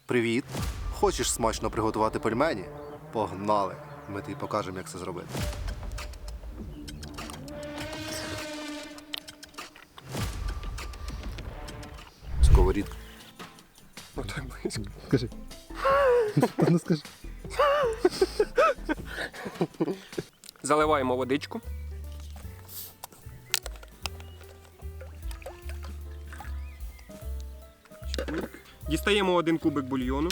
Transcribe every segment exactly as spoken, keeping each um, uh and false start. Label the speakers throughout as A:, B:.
A: Привіт! Хочеш смачно приготувати пельмені? Погнали! Ми тобі покажемо, як це зробити. Сковорідка.
B: Отак близько.
A: Скажи. Ну скажи.
B: Заливаємо водичку. Дістаємо один кубик бульйону.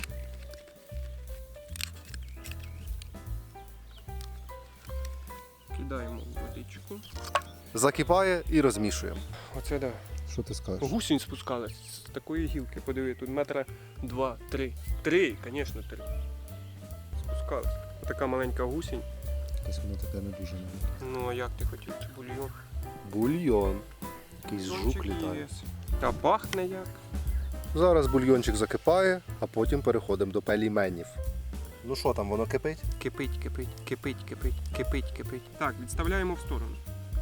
B: Кидаємо в водичку.
A: Закипає і розмішуємо.
B: Оце да.
A: Що ти скажеш?
B: Гусінь спускалась з такої гілки. Подиви, тут метра два, три. Три, звісно, три. Спускалась. Отака маленька гусінь.
A: Якось воно таке не дуже не.
B: Ну а як ти хотів? Це бульйон.
A: Бульйон. Якийсь жук
B: Сумчик
A: літає.
B: є. Та пахне як.
A: Зараз бульйончик закипає, а потім переходимо до пельменів. Ну що там, воно кипить?
B: Кипить, кипить, кипить, кипить, кипить, кипить. Так, відставляємо в сторону.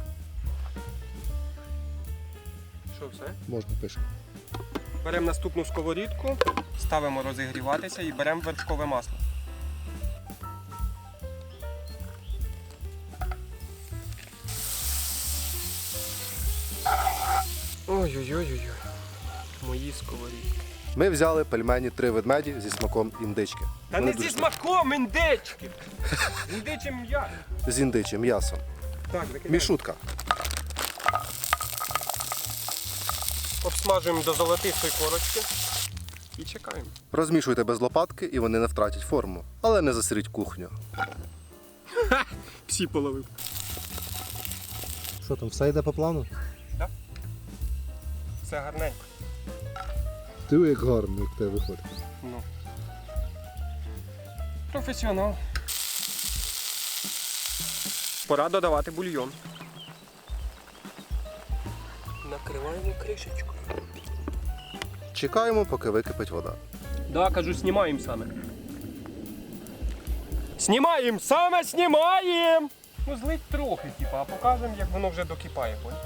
B: Що, все?
A: Можна пише.
B: Беремо наступну сковорідку, ставимо розігріватися і беремо вершкове масло. Ой-ой-ой-ой. Мої сковорідки.
A: Ми взяли пельмені три ведмеді зі смаком індички.
B: Та
A: Вони
B: не
A: дуже
B: зі смаком індички! Індичим м'ясо.
A: смачні. З індичим м'ясом.
B: Так, викидаємо.
A: Мішутка.
B: Обсмажуємо до золотистої корочки і чекаємо.
A: Розмішуйте без лопатки і вони не втратять форму. Але не засріть кухню.
B: Всі половив.
A: Що там, все йде по плану?
B: Все гарненько.
A: Ти як гарно, як тебе виходить.
B: Ну. Професіонал. Пора додавати бульйон. Накриваємо кришечкою.
A: Чекаємо, поки википить вода.
B: Да, кажу, знімаємо саме. Знімаємо! Саме знімаємо! Ну злить трохи, типа, а покажемо, як воно вже докипає, понял?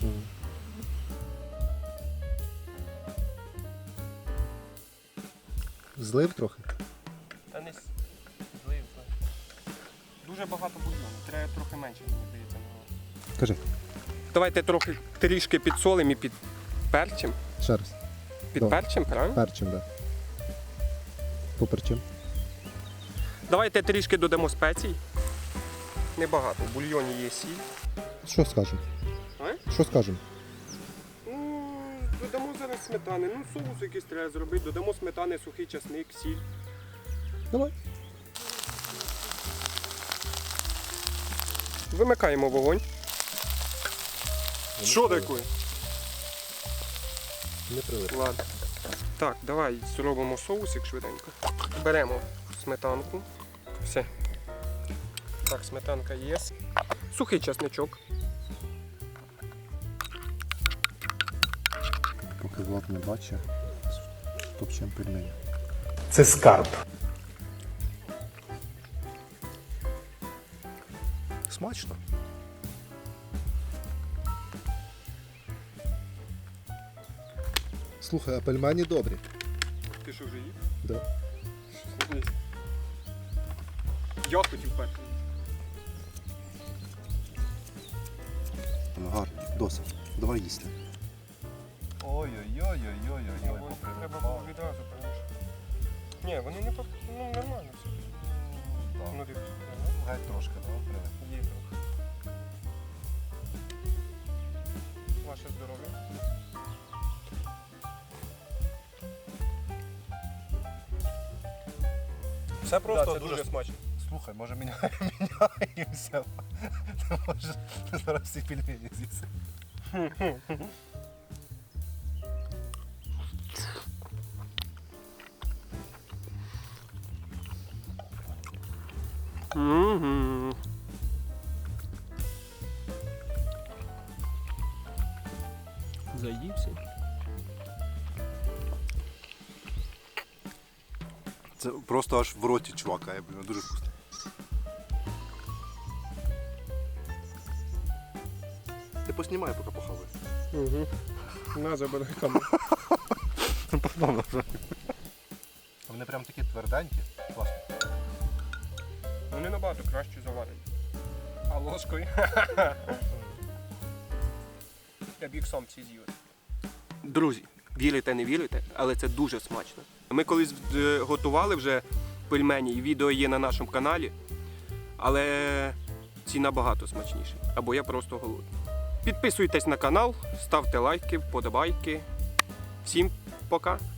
A: Злив трохи?
B: Та не с- злив, злив. Дуже багато бульйону, треба трохи менше, мені здається.
A: Кажи.
B: Давайте трохи трішки підсолимо і під перчим.
A: Ще раз.
B: Під
A: Добре.
B: перчим, правильно?
A: Перчим, так. Да. Поперчим.
B: Давайте трішки додамо спецій. Небагато. В бульйоні є сіль.
A: Що скажемо?
B: А?
A: Що скажемо?
B: Ну, додамо зараз сметани. Ну, соус якийсь треба зробити. Додамо сметани, сухий часник, сіль.
A: Давай.
B: Вимикаємо вогонь. Що таке?
A: Не прилип.
B: Ладно. Так, давай зробимо соусик швиденько. Беремо сметанку. Все. Так, сметанка є. Сухий часничок.
A: Поки Влад не бачить, топчем пельмені.
C: Це скарб.
A: Смачно. Слухай, а пельмені добрі.
B: Ти що вже їв?
A: Да.
B: Я хотів перший.
A: Ну, гарно, досить. Давай їсти.
C: Ой-ой-ой-ой-ой-ой.
B: Треба було відразу перемішати. Ні, вони не по... ну, нормально все. Ну, дивись.
C: Геть трошки, добре.
B: Є трохи. Ваше здоров'я. Все просто
C: це
B: дуже,
C: дуже
B: смачно.
C: Слухай, може міня- міняємося. Може зараз всі пельмені з'їси.
B: Угу. Заївся.
A: Це просто аж в роті чувакає, блін, дуже вкусно. Ти поснімай, поки похавай.
B: Угу. На, забирай камеру.
C: Вони Вони прям такі тверденькі. Класно.
B: Вони набагато краще заварені. А ложкою? Я б їх сам ці з'їв. Друзі, вірите, не вірите, але це дуже смачно. Ми колись е, готували вже пельмені, і відео є на нашому каналі, але ці набагато смачніші. Або я просто голодний. Підписуйтесь на канал, ставте лайки, вподобайки. Всім пока!